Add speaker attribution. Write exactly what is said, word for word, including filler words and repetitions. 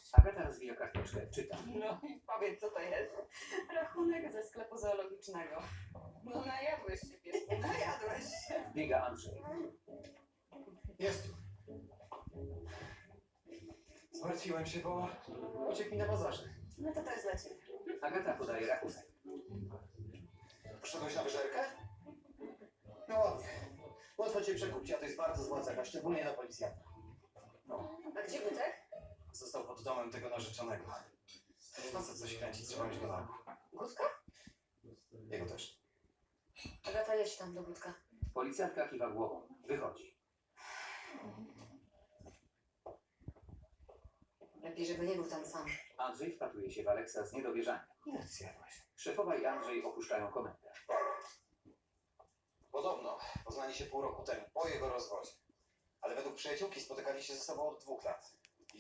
Speaker 1: Agata rozwija karteczkę, czyta.
Speaker 2: No i powiedz, co to jest?
Speaker 3: Rachunek ze sklepu zoologicznego.
Speaker 2: No najadłeś się, piesku, najadłeś się.
Speaker 1: Biega Andrzej.
Speaker 4: Jest. Zmartwiłem się, bo uciekł mi na bazarze.
Speaker 3: No to to jest dla ciebie.
Speaker 1: Agata podaje rachunek.
Speaker 4: Poszedłeś na wyżerkę? No ładnie. Łatwo cię przekupić, a to jest bardzo zła cecha, szczególnie na policjanta. No,
Speaker 3: A gdzie Gutek?
Speaker 4: został pod domem tego narzeczonego. Facet coś kręci, trzeba mieć go na oku.
Speaker 3: Gutka?
Speaker 4: Jego też.
Speaker 3: Agata, jedź tam do Gutka.
Speaker 1: Policjantka kiwa głową. Wychodzi.
Speaker 3: Lepiej, żeby nie był tam sam.
Speaker 1: Andrzej wpatruje się w Aleksa z niedowierzaniem.
Speaker 4: Ile ty zjadłeś?
Speaker 1: Szefowa i Andrzej opuszczają komendę.
Speaker 4: Podobno poznali się pół roku temu, po jego rozwodzie. Ale według przyjaciółki spotykali się ze sobą od dwóch lat.